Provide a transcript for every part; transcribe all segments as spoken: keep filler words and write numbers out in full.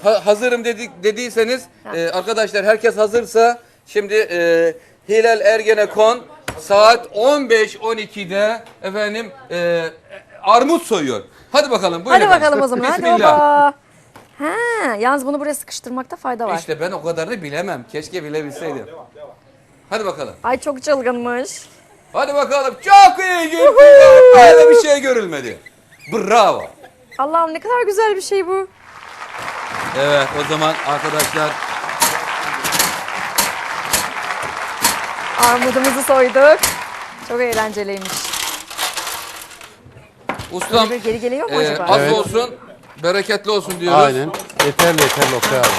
ha- hazırım dedik dediyseniz e, arkadaşlar herkes hazırsa şimdi e, Hilal Ergenekon saat on beş on ikide efendim e, armut soyuyor. Hadi bakalım buyurun. Hadi efendim. bakalım o zaman. Hadi Bismillah. baba. Ha, yalnız bunu buraya sıkıştırmakta fayda var. İşte ben o kadarını bilemem. Keşke bilebilseydim. Hadi bakalım. Ay çok çılgınmış. Hadi bakalım. Çok iyi gitti. Böyle bir şey görülmedi. Bravo. Allah'ım ne kadar güzel bir şey bu. Evet o zaman arkadaşlar Armudumuzu soyduk. Çok eğlenceliymiş. ustam Böyle geri geliyor mu e, acaba? az Evet. olsun bereketli olsun diyoruz. Aynen. Yeterli yeterli Oktay abi.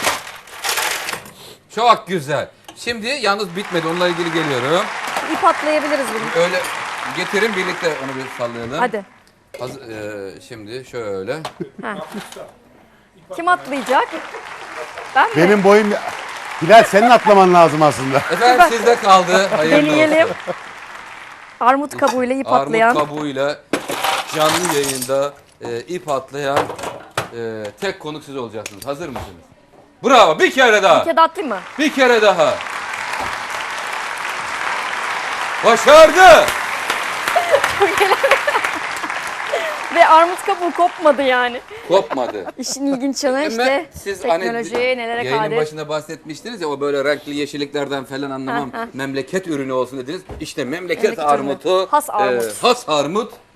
Çok güzel. Şimdi yalnız bitmedi. Onunla ilgili geliyorum. İp atlayabiliriz bunu. Öyle getirin birlikte onu bir sallayalım. Hadi. Haz- e, şimdi şöyle. Ha. Kim atlayacak? Ben mi? Benim boyum... Hilal senin atlaman lazım aslında. Efendim sizde kaldı. Hayırlı Deneyelim. olsun. Armut kabuğuyla ip atlayan. Armut kabuğuyla canlı yayında e, ip atlayan e, tek konuk siz olacaksınız. Hazır mısınız? Bravo. Bir kere daha. Bir kere de atlayayım mı? Bir kere daha. Başardı. Ve armut kabuğu kopmadı yani. Kopmadı. İşin ilginç yanı Ama işte siz teknoloji hani nelere yayının kadir. başında bahsetmiştiniz ya o böyle renkli yeşilliklerden falan anlamam. Heh, heh. Memleket ürünü olsun dediniz. İşte memleket, Memleket ürünü. armutu. Has armut. e, has armut.